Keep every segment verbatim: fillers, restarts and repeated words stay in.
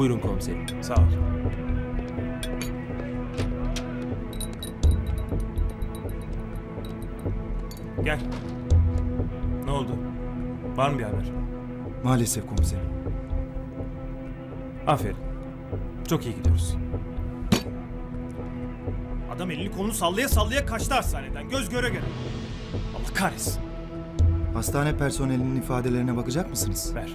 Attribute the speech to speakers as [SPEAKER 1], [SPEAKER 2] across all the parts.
[SPEAKER 1] Buyurun komiserim.
[SPEAKER 2] Sağ ol. Gel. Ne oldu? Var mı bir haber?
[SPEAKER 3] Maalesef komiserim.
[SPEAKER 2] Aferin. Çok iyi gidiyoruz. Adam elini kolunu sallaya sallaya kaçtı hastaneden. Göz göre göre. Allah kahretsin.
[SPEAKER 3] Hastane personelinin ifadelerine bakacak mısınız?
[SPEAKER 2] Ver.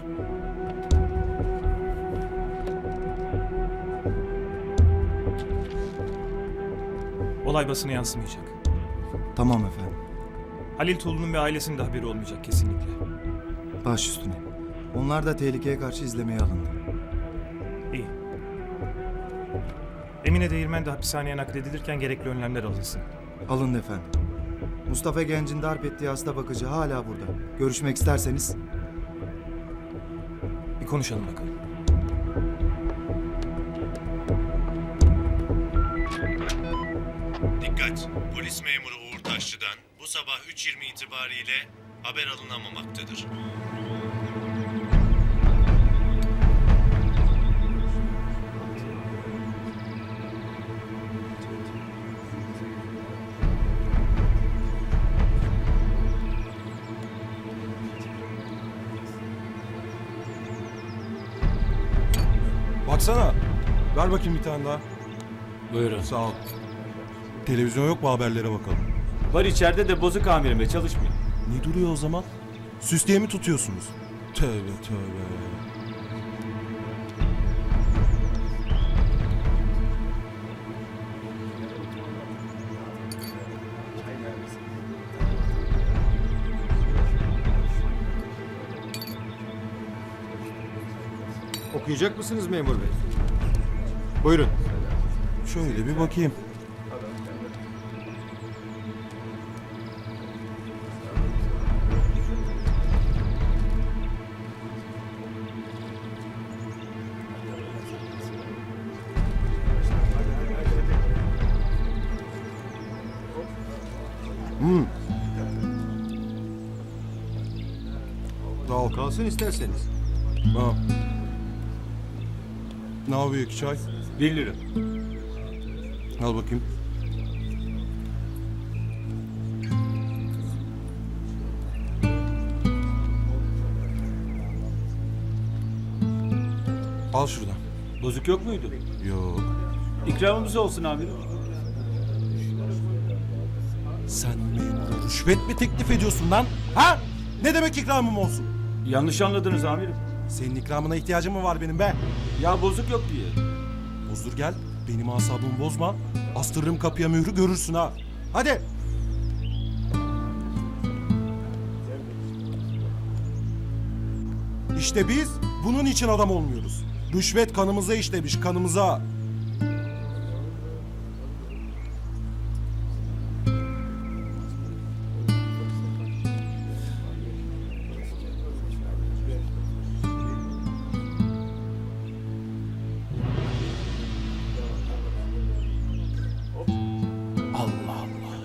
[SPEAKER 2] Olay basına yansımayacak.
[SPEAKER 3] Tamam efendim.
[SPEAKER 2] Halil Tuğlu'nun ve ailesinin de haberi olmayacak kesinlikle.
[SPEAKER 3] Baş üstüne. Onlar da tehlikeye karşı izlemeye alındı.
[SPEAKER 2] İyi. Emine Değirmen de hapishaneye nakledilirken gerekli önlemler alınsın.
[SPEAKER 3] Alındı efendim. Mustafa Genç'in darp ettiği hasta bakıcı hala burada. Görüşmek isterseniz.
[SPEAKER 2] Bir konuşalım bakalım.
[SPEAKER 4] Dikkat! Polis memuru Uğur Taşçı'dan bu sabah üç yirmi itibariyle haber alınamamaktadır.
[SPEAKER 5] Baksana. Ver bakayım bir tane daha.
[SPEAKER 1] Buyurun.
[SPEAKER 5] Sağ ol. Televizyon yok mu, haberlere bakalım.
[SPEAKER 1] Var içeride de bozuk amirim ve çalışmıyor.
[SPEAKER 5] Ne duruyor o zaman? Süs diye mi tutuyorsunuz? Tövbe tövbe.
[SPEAKER 6] Okuyacak mısınız memur bey? Buyurun.
[SPEAKER 5] Şöyle bir bakayım. Hmm. Sağ ol.
[SPEAKER 6] Kalsın isterseniz.
[SPEAKER 5] Ha. Ne yapıyor iki çay?
[SPEAKER 1] Bir lira.
[SPEAKER 5] Al bakayım. Al şuradan.
[SPEAKER 1] Bozuk yok muydu?
[SPEAKER 5] Yok.
[SPEAKER 1] İkramımız olsun amirim.
[SPEAKER 5] Sen memura rüşvet mi teklif ediyorsun lan? Ha? Ne demek ikramım olsun?
[SPEAKER 1] Yanlış anladınız amirim.
[SPEAKER 5] Senin ikramına ihtiyacım mı var benim be?
[SPEAKER 1] Ya bozuk yok diye.
[SPEAKER 5] Bozdur gel. Benim asabımı bozma. Astırırım kapıya mührü, görürsün ha. Hadi. İşte biz bunun için adam olmuyoruz. Rüşvet kanımıza işlemiş, kanımıza. Allah Allah.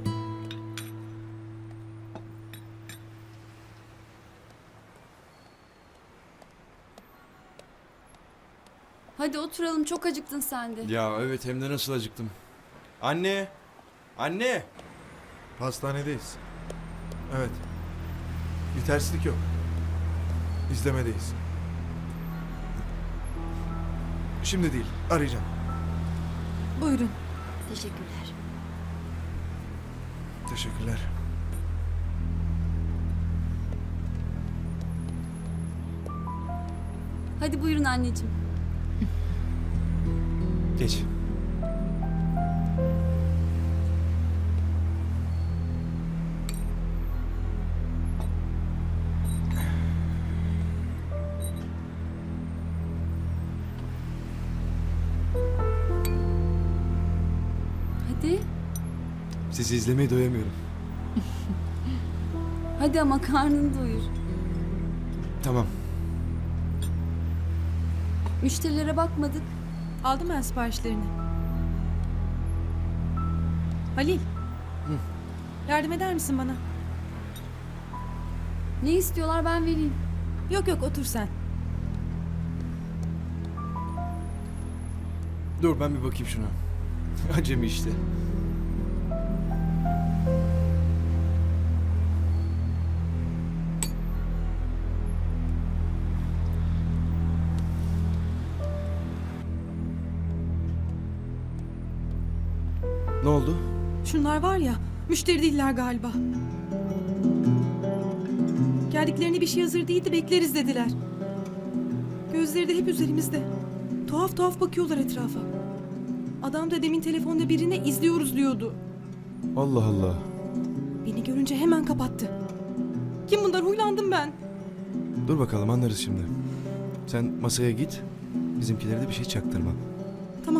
[SPEAKER 7] Hadi oturalım, çok acıktın sen de.
[SPEAKER 8] Ya evet, hem de nasıl acıktım. Anne! Anne!
[SPEAKER 6] Hastanedeyiz. Evet. Bir terslik yok. İzlemedeyiz. Şimdi değil, arayacağım.
[SPEAKER 7] Buyurun. Teşekkürler.
[SPEAKER 6] Teşekkürler.
[SPEAKER 7] Hadi buyurun anneciğim.
[SPEAKER 2] Geç.
[SPEAKER 7] Hadi.
[SPEAKER 6] Sizi izlemeye doyamıyorum.
[SPEAKER 7] Hadi ama karnını doyur.
[SPEAKER 6] Tamam.
[SPEAKER 7] Müşterilere bakmadık.
[SPEAKER 9] Aldım ben siparişlerini. Halil. Yardım eder misin bana?
[SPEAKER 7] Ne istiyorlar ben vereyim.
[SPEAKER 9] Yok yok, otur sen.
[SPEAKER 8] Dur ben bir bakayım şuna. Acemi işte. Ne oldu?
[SPEAKER 9] Şunlar var ya, müşteri değiller galiba. Geldiklerine bir şey hazır değildi, bekleriz dediler. Gözleri de hep üzerimizde. Tuhaf tuhaf bakıyorlar etrafa. Adam da demin telefonda birine izliyoruz diyordu.
[SPEAKER 8] Allah Allah.
[SPEAKER 9] Beni görünce hemen kapattı. Kim bunlar? Huylandım ben.
[SPEAKER 8] Dur bakalım anlarız şimdi. Sen masaya git. Bizimkilere de bir şey çaktırma.
[SPEAKER 9] Tamam.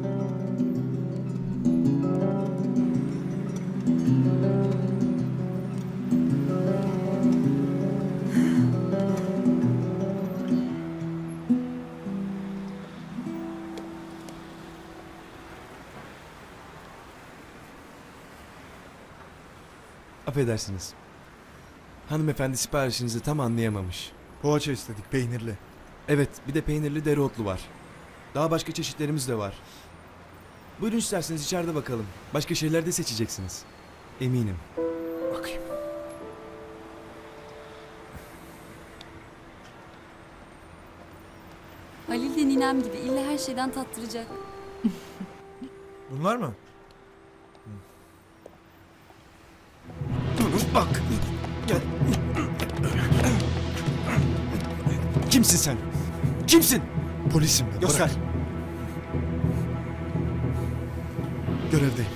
[SPEAKER 8] Affedersiniz. Hanımefendi siparişinizi tam anlayamamış.
[SPEAKER 10] Poğaça istedik peynirli.
[SPEAKER 8] Evet, bir de peynirli dereotlu var. Daha başka çeşitlerimiz de var. Buyurun isterseniz içeride bakalım. Başka şeyler de seçeceksiniz. Eminim.
[SPEAKER 10] Bakayım.
[SPEAKER 7] Halil de ninem gibi illa her şeyden tattıracak.
[SPEAKER 10] Bunlar mı?
[SPEAKER 8] Bak. Gel. Kimsin sen? Kimsin?
[SPEAKER 10] Polisim ben.
[SPEAKER 8] Göster.
[SPEAKER 10] Bırak. Görevdeyim.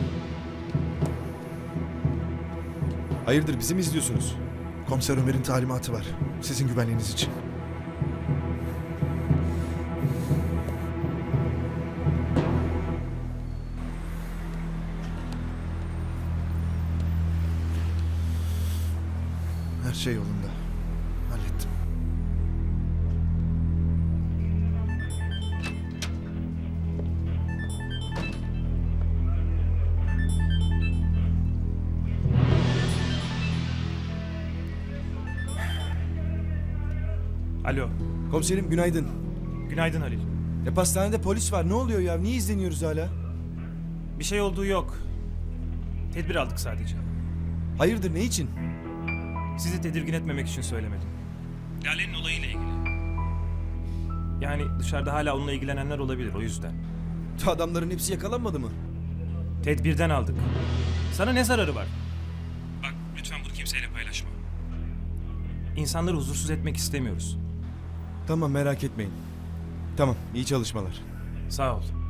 [SPEAKER 8] Hayırdır bizi mi izliyorsunuz?
[SPEAKER 10] Komiser Ömer'in talimatı var. Sizin güvenliğiniz için. Her şey yolunda. Hallettim.
[SPEAKER 2] Alo.
[SPEAKER 8] Komiserim günaydın.
[SPEAKER 2] Günaydın Halil.
[SPEAKER 8] E pastanede polis var. Ne oluyor ya? Niye izleniyoruz hala?
[SPEAKER 2] Bir şey olduğu yok. Tedbir aldık sadece.
[SPEAKER 8] Hayırdır ne için?
[SPEAKER 2] Sizi tedirgin etmemek için söylemedim. Lale'nin olayıyla ilgili. Yani dışarıda hala onunla ilgilenenler olabilir o yüzden.
[SPEAKER 8] Adamların hepsi yakalanmadı mı?
[SPEAKER 2] Tedbirden aldık. Sana ne zararı var? Bak lütfen bunu kimseyle paylaşma. İnsanları huzursuz etmek istemiyoruz.
[SPEAKER 8] Tamam merak etmeyin. Tamam iyi çalışmalar.
[SPEAKER 2] Sağ ol.